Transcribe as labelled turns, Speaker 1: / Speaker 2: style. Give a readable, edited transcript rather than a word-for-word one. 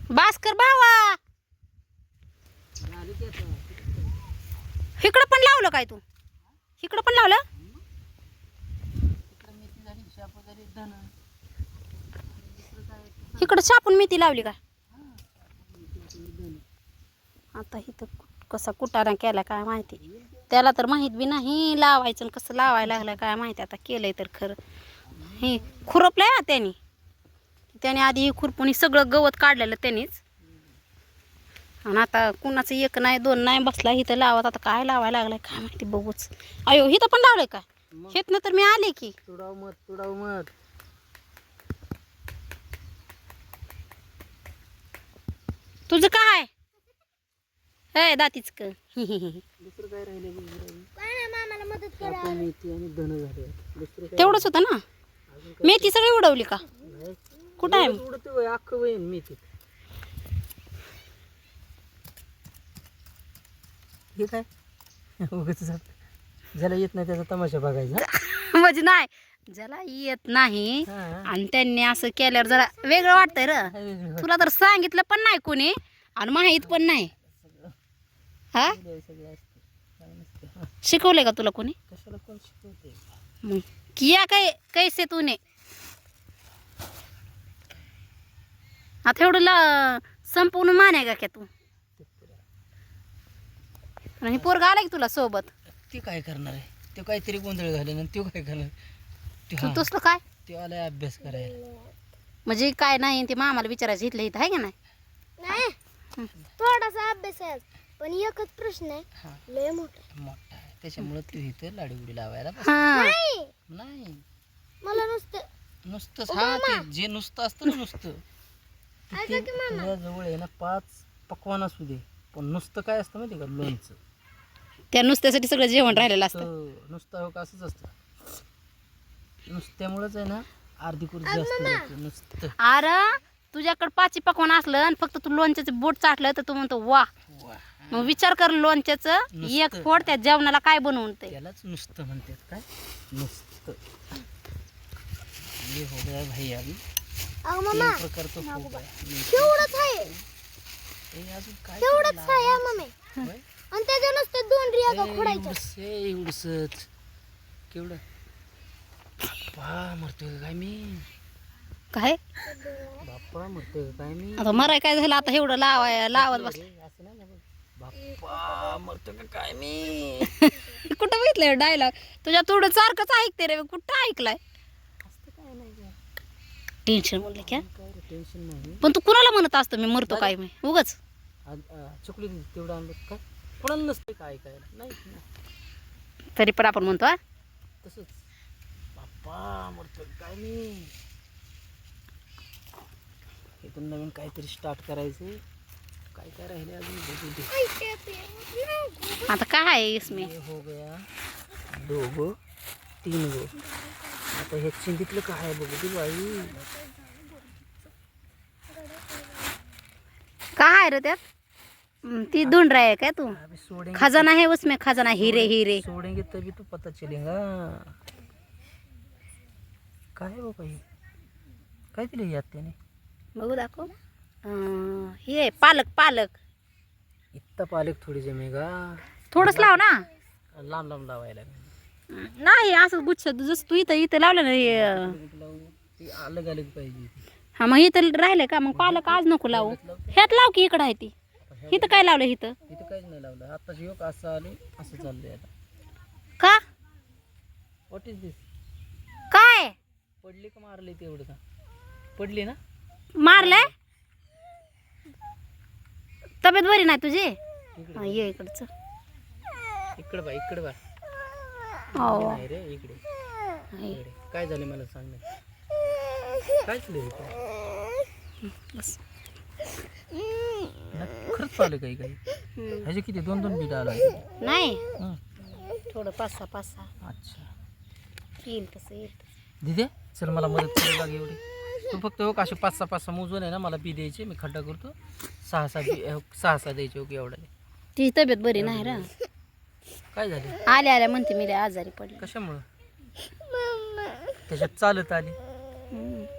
Speaker 1: भास्कर भावा इकडं पण लावलं काय तू? इकडं पण लावलं? इकडं छापून मेथी लावली का? आता इथं कसा कुटाणा केला काय माहिती. त्याला तर माहीत बी नाही लावायचं आणि कसं लावायला लागलं काय माहिती. आता केलंय तर खरं. हे खुरपलंय ना त्याने आधी हे खुरपून सगळं गवत काढलेलं त्यानेच. आणि आता कुणाचं एक नाही दोन नाही बसला इथं लावत. आता काय लावायला लागलाय काय माहिती बघूच. अयो इथं पण लावलंय का? हेतनं तर मी आले की.
Speaker 2: तुडाव मत
Speaker 1: तुझं काय हे दातीच क
Speaker 2: दुसरं काय राहिले मामाला मदत करा. मेथी आणि धन झाले. दुसरं काय
Speaker 1: तेवढंच होतं ना. मेथी सगळी उडवली का? कुठं आहे
Speaker 2: उडते अख्खं वहीन मेथी. हे काय उगाच ज्याला येत नाही त्याचा तमाशा बघायचा.
Speaker 1: म्हणजे नाही ज्याला येत नाही आणि त्यांनी असं केल्यावर जरा वेगळं वाटतंय र. तुला तर सांगितलं पण नाही कोणी आणि माहित पण नाही. हा शिकवलंय का तुला कोणी?
Speaker 2: कशाला कोण शिकवते?
Speaker 1: मग किया काय कैसे तूने आता एवढं संपूर्ण माने का तू? आणि पोरगा आला की तुला सोबत?
Speaker 2: ते काय करणार आहे? ते काहीतरी गोंधळ घालेल आणि तो काय करणार?
Speaker 1: तसलं काय?
Speaker 2: ते आलाय अभ्यास करायला.
Speaker 1: म्हणजे काय नाही ते मामाला विचारायचं इथलं इथं आहे का नाही?
Speaker 3: थोडासा अभ्यास आहे पण एकच प्रश्न आहे लय मोठा
Speaker 2: आहे त्याच्यामुळे तू इथं लाडीगुडी लावायला नाही.
Speaker 3: मला
Speaker 2: नुसतंच हा ते जे नुसतं असतं ना नुसतं तुझ्या जवळ आहे ना 5 पकवान असू दे पण नुसतं काय असतं माहिती का? लोणचं.
Speaker 1: त्या नुसत्यासाठी सगळं जेवण राहिलेलं असतं.
Speaker 2: नुसतं हो का असंच असतं. नुसत्यामुळेच आहे ना अर्धी कुर्ती जास्त नुसतं.
Speaker 1: अरे तुझ्याकडे 5 पकवान असलं आणि फक्त तू लोणच्याचं बोट चाटलं तर तू म्हणतो वा. मग विचार कर लोणच्याचं एक फोड त्या जेवणाला काय बनवून ते
Speaker 2: त्यालाच नुसतं म्हणतात. काय नुसतं? ये हो गया भाई अभी
Speaker 3: मम्मा
Speaker 2: प्रकार तो हो गया.
Speaker 3: तेवढंच आहे
Speaker 2: अजून काय
Speaker 3: तेवढंच आहे मम्मी. आणि त्याच्या नुसतं 2 रिया खोडायच्या.
Speaker 2: एवढंच केवढं बाप्पा मरतोय काय मी?
Speaker 1: काय
Speaker 2: बाप्पा मरतोय काय मी?
Speaker 1: आता मराय काय झालं आता एवढं लावत बसलं.
Speaker 2: असं नाही ना बाप्पा मरतोय का काय मी?
Speaker 1: कुठं बघितलंय डायलॉग तुझ्या थोडं सारखंच ऐकते रे. कुठं ऐकलाय? टेन्शन म्हणलं क्या
Speaker 2: टेन्शन नाही
Speaker 1: पण तू कुणाला म्हणत असतो मी मरतो काय मी उगाच?
Speaker 2: चुकली तेवढं आणलं काय कोणाला नसते काय नाही
Speaker 1: तरी पण आपण म्हणतो
Speaker 2: तसंच बाप्पा मरतोय काय मी? इथून नवीन काहीतरी स्टार्ट करायचं. काय काय राहिले अजून बघू दे.
Speaker 1: आता काय आहे इसमें?
Speaker 2: हो गया 2 गो 3 गो. आता हे चिंतीतलं काय आहे बघू दे बाई.
Speaker 1: काय आहे रे त्यात? ती ढूंढ रहा है क्या तू?
Speaker 2: सोडेंगे
Speaker 1: खजाना है उसमें खजाना हीरे हीरे.
Speaker 2: सोडेंगे तभी तो पता चलेगा. काय आहे बाबा हे? काय दिलं यात त्याने?
Speaker 1: बघू दाखव. हे पालक पालक
Speaker 2: इतका पालक थोडी जमेगा.
Speaker 1: थोडंच लाव ना.
Speaker 2: लांब लांब लावायला
Speaker 1: नाही असं गुच्छ जसं तू इथं इथं लावलं ना
Speaker 2: ती अलग अलग पाहिजे.
Speaker 1: हा मग इथं राहिलंय का? मग पालक आज नको लावू. ह्यात लाव की इकडं आहे ती. इथं काय लावलं इथं?
Speaker 2: इथं काहीच नाही लावलं. आता योग असं आले असं चाललंय आता.
Speaker 1: का
Speaker 2: व्हॉट इज दिस?
Speaker 1: काय
Speaker 2: पडली का मारली ते एवढं का? पडली ना?
Speaker 1: मारलंय? तब्येत बरी नाही तुझी? ये इकडचं.
Speaker 2: इकडं बा इकडं बा.
Speaker 1: हो
Speaker 2: नाही रे इकडे. इकडे. काय झालं मला सांग ना. काय झालं
Speaker 1: बस.
Speaker 2: खरंच पाहिलं काही काही ह्याचे किती 2-2 बीट आला
Speaker 1: नाही थोडं 5-6
Speaker 2: अच्छा
Speaker 1: येईल तसं येईल.
Speaker 2: दिदे चल मला मदत करायला लाग एवढी. तू फक्त हो का असे 5-6 मोजून आहे ना मला बी द्यायचे. मी खड्डा करतो. 6-6 द्यायचे ओके एवढा.
Speaker 1: तिची तब्येत बरी नाही रा.
Speaker 2: काय झाले?
Speaker 1: आल्या आल्या म्हणते मी लय आजारी पडली.
Speaker 2: कशामुळं? त्याच्यात चालत आली.